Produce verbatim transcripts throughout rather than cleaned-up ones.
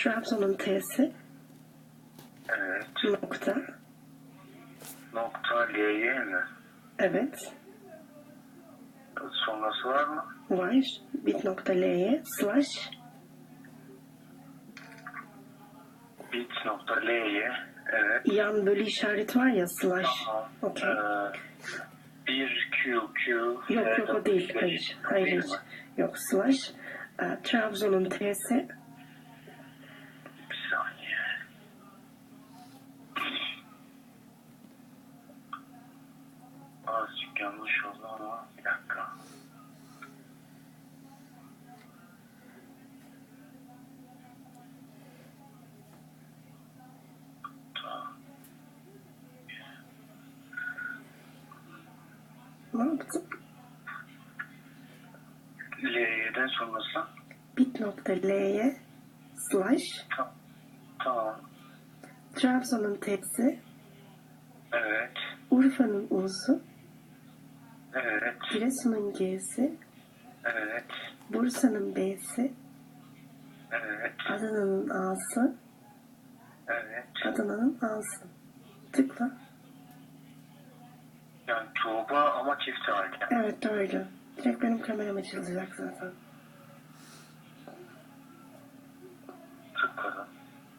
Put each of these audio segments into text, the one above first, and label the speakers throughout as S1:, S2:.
S1: Trabzon'un T'si.
S2: Evet.
S1: Nokta.
S2: Nokta L'ye mi?
S1: Evet.
S2: Sonrası var mı?
S1: Var. Bit.L'ye slash.
S2: Bit.L'ye. Evet.
S1: Yan bölü işareti var ya slash.
S2: Tamam.
S1: Okey.
S2: Ee, bir Q Q.
S1: Yok yok o değil. Hayır. Hayır hiç. Yok slash. E, Trabzon'un T'si.
S2: Bir saniye. Azıcık yanlış oldu ama bir dakika. Tamam.
S1: Ne yaptın?
S2: L'den sonrası.
S1: Bit.L'ye slash.
S2: Tamam. Tamam.
S1: Trabzon'un T'si.
S2: Evet.
S1: Urfa'nın U'su.
S2: Evet.
S1: Giresun'un G'si.
S2: Evet.
S1: Bursa'nın B'si.
S2: Evet.
S1: Adana'nın A'sı.
S2: Evet.
S1: Adana'nın A'sı. Tıkla.
S2: Yani Tuğba ama çift halde.
S1: Evet doğru. Direkt benim kameram açılacak zaten.
S2: Tıkladım.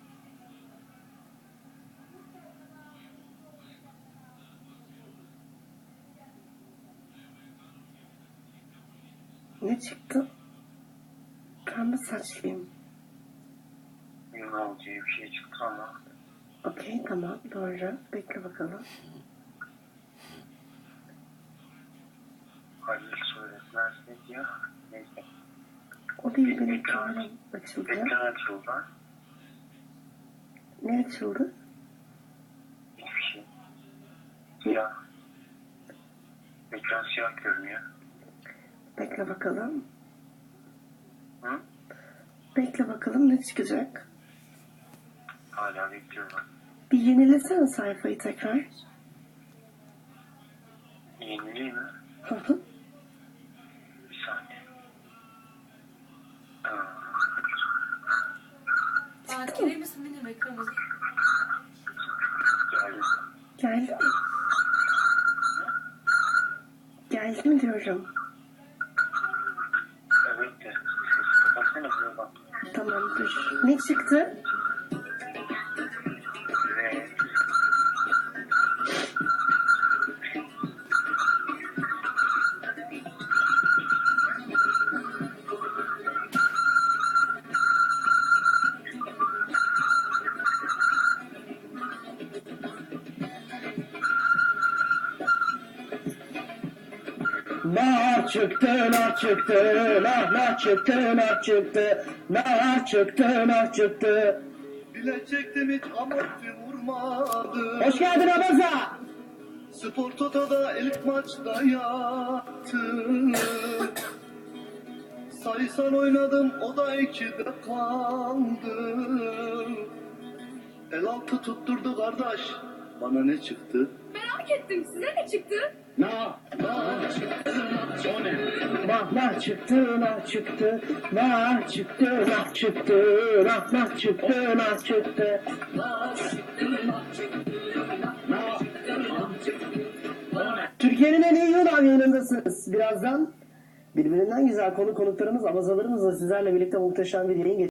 S1: Ne çıktı? Pembe saçlıyım.
S2: Yunan diye bir şey çıktı ama.
S1: Okey tamam doğru. Bekle bakalım.
S2: Halil söyletmez ne diyor? Neyse.
S1: O değil benim
S2: Ekran-
S1: kameram açıldı.
S2: Ekran açıldı.
S1: Ne açıldı?
S2: Hiçbir şey. Siyah. Ekran siyah görünüyor.
S1: Bekle bakalım.
S2: Hı?
S1: Bekle bakalım ne çıkacak?
S2: Hala bekliyorum.
S1: Bir yenilesene sayfayı tekrar.
S2: Yeniliği mi?
S1: Hı hı.
S2: Bir saniye. Aa,
S3: Aa, girer misin benim ekranıma?
S2: geldi.
S1: Geldi mi? Geldi mi diyorum.
S2: Evet de. Sesi kapatsana şuna bak.
S1: Tamam dur. Ne çıktı?
S2: Ve
S4: Nar çıktı, nar çıktı, nar nar çıktı, nar çıktı, nar çıktı, nar çıktı.
S5: Bile çektim hiç amorti vurmadı.
S4: Hoş geldin Abaza.
S5: Spor Toto'da ilk maçta yattım. Sayısal oynadım o da ikide kaldı. El altı tutturdu kardeş. Bana ne çıktı?
S3: Merak ettim, size ne çıktı?
S4: Na, na çıktı, o ne? Nah, nah çıktı, nah çıktı, nah çıktı, nah çıktı, nah, nah çıktı, nah çıktı. Türkiye'nin en iyi Yunan yayınındasınız. Birazdan birbirinden güzel konu konuklarımız, abazalarımızla sizlerle birlikte muhteşem bir yayın geçireceğiz.